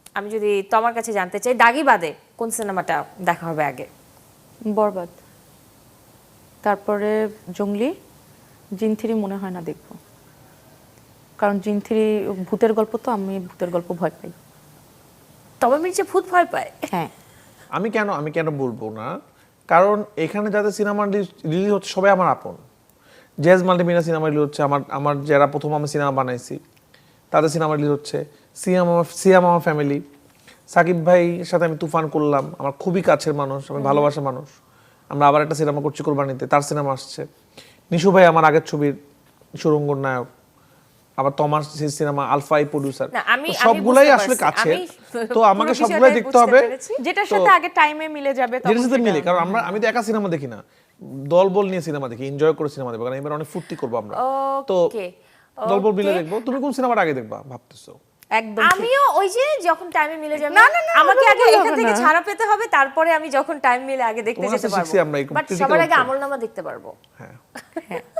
আমি যদি তোমার কাছে জানতে চাই, দাগি বাদে কোন সিনেমাটা দেখা হবে আগে? বরবাদ, তারপরে জঙ্গলি, জিন 3 মনে হয় না দেখবো, কারণ জিন 3 ভূতের গল্প, তো আমি ভূতের গল্প ভয় পাই। তবে মির্জা ভূত ভয় পায়? হ্যাঁ। আমি কেন বলবো না, কারণ এখানে যাদের সিনেমা রিলিজ হচ্ছে সবাই আমার আপন। জেজ মাল্টিমিডিয়া সিনেমা রিলিজ হচ্ছে, আমার যারা প্রথম আমি সিনেমা বানাইছি তাদের সিনেমা রিলিজ হচ্ছে। সিয়াম আমার ফ্যামিলি, সাকিব ভাইয়ের সাথে আমি তুফান করলাম, আমার খুবই কাছের মানুষ, আমি ভালোবাসার মানুষ। আমরা আবার একটা সিনেমা করছি কোরবানিতে, তার সিনেমা আসছে। নিশু ভাই আমার আগের ছবির সুরঙ্গর নায়ক, আবার তোমার সিনেমা আলফাই প্রোডিউসার, সবগুলাই আসলে কাছে। তো আমাকে সবগুলাই দেখতে হবে, যেটার সাথে আগে টাইমে মিলে যাবে যেটার সাথে মিলে। কারণ আমি তো একা সিনেমা দেখি না, দলবল নিয়ে সিনেমা দেখি, এনজয় করে সিনেমা দেখবো, কারণ এবার অনেক ফুর্তি করবো আমরা। তো দলবল মিলে দেখবো। তুমি কোন সিনেমাটা আগে দেখবা ভাবতেছো? একদম আমিও ওই যে যখন টাইমে মিলে যাবে, না, না, না, আমাকে আগে ওভাবে এখান হবে থেকে না। ছাড়া পেতে হবে, তারপরে আমি যখন টাইম মিলে আগে দেখতে তোমার যেতে কাছে পারবো। শিখছি আমরা এই বাট critical সবার আগে হচ্ছে। আমলনামা দেখতে পারবো। হ্যাঁ, হ্যাঁ।